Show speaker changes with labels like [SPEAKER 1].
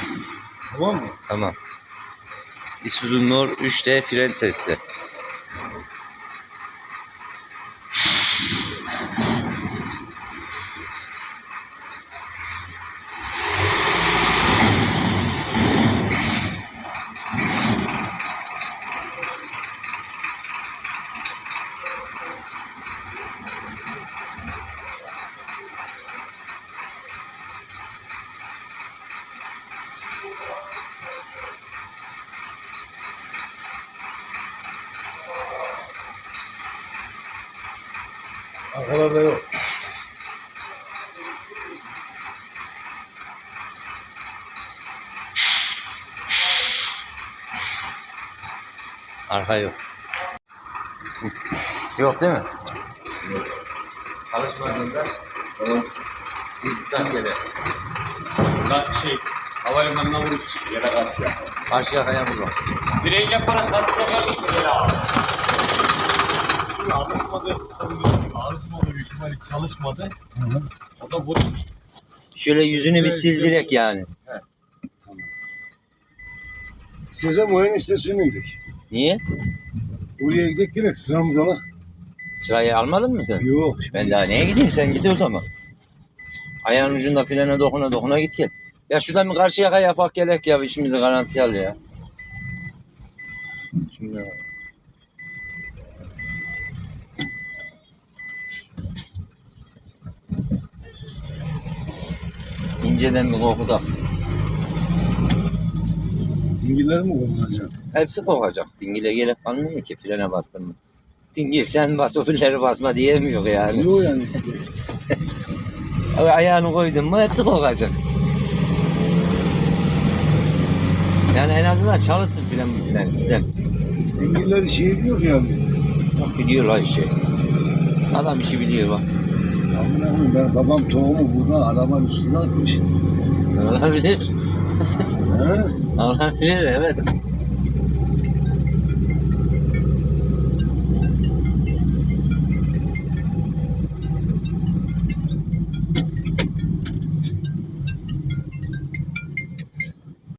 [SPEAKER 1] Tamam mı?
[SPEAKER 2] Tamam. Isuzu Nor 3D fren testi.
[SPEAKER 1] Arkalarda yok.
[SPEAKER 2] Arka yok. Yok değil mi? Çalışmadığında bir start yere.
[SPEAKER 3] Havalimanına vuruş yere karşı.
[SPEAKER 2] Karşı yakaya vurma.
[SPEAKER 3] Direği yaparak karşıya karşı ya. Alışmadı. Alışmadı büyük ihtimalle çalışmadı.
[SPEAKER 1] Hı.
[SPEAKER 3] O da vurdu.
[SPEAKER 2] Şöyle yüzünü bir sil direkt yani.
[SPEAKER 1] İstersen boyanın istasyonuna gidelim.
[SPEAKER 2] Niye?
[SPEAKER 1] Oraya gidelim gerek sıramız alak.
[SPEAKER 2] Sırayı almadın mı sen?
[SPEAKER 1] Yok.
[SPEAKER 2] Ben daha neye gideyim, sen git o zaman. Ayağın ucunda frene dokuna dokuna git gel. Ya şuradan bir karşı yaka yapak gerek ya, işimizi garantiye al ya. Şimdi inceden bir kokuda.
[SPEAKER 1] Dingiller mi kullanacak?
[SPEAKER 2] Hepsi kokacak. Dingile gerek kalmıyor ki frene bastın mı. Dingil sen bas, o filleri basma diyemiyor yani.
[SPEAKER 1] Yok yani.
[SPEAKER 2] Ayağını koydun mu hepsi kokacak. Yani en azından çalışsın frenler sistem.
[SPEAKER 1] Dingiller şey diyor ya biz.
[SPEAKER 2] Bak biliyorlar işi. Adam işi biliyor bak.
[SPEAKER 1] Amına koyayım, ben babam tohumu burada arabanın üstüne atmış.
[SPEAKER 2] Olabilir.
[SPEAKER 1] He?
[SPEAKER 2] Olabilir evet.